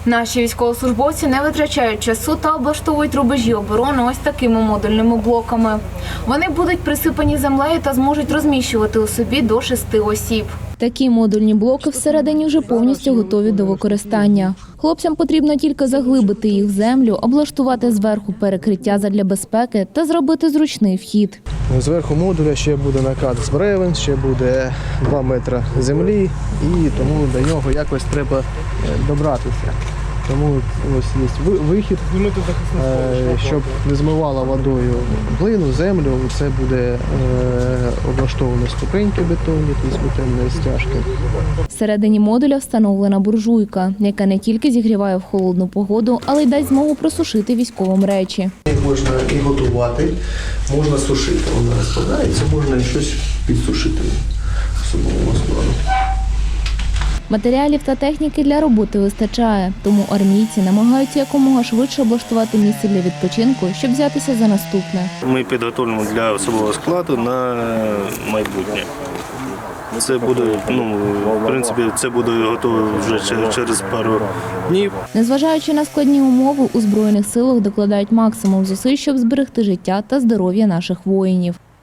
Наші військовослужбовці не витрачають часу та облаштовують рубежі оборони ось такими модульними блоками. Вони будуть присипані землею та зможуть розміщувати у собі до 6 осіб. Такі модульні блоки всередині вже повністю готові до використання. Хлопцям потрібно тільки заглибити їх в землю, облаштувати зверху перекриття задля безпеки та зробити зручний вхід. Зверху модуля ще буде накат з бревен, ще буде 2 метри землі, і тому до нього якось треба добратися. Тому ось є вихід, щоб не змивало водою глину, землю. Це буде облаштовано ступеньки бетонні, тобто бетонні стяжки. Всередині модуля встановлена буржуйка, яка не тільки зігріває в холодну погоду, але й дасть змогу просушити військовим речі. Можна і готувати, можна сушити. Вона розкладається, можна і щось підсушити особливого складу. Матеріалів та техніки для роботи вистачає, тому армійці намагаються якомога швидше облаштувати місце для відпочинку, щоб взятися за наступне. Ми підготовлюємо для особового складу на майбутнє. Це буде, в принципі, це буде готово вже через пару днів. Незважаючи на складні умови, у Збройних силах докладають максимум зусиль, щоб зберегти життя та здоров'я наших воїнів.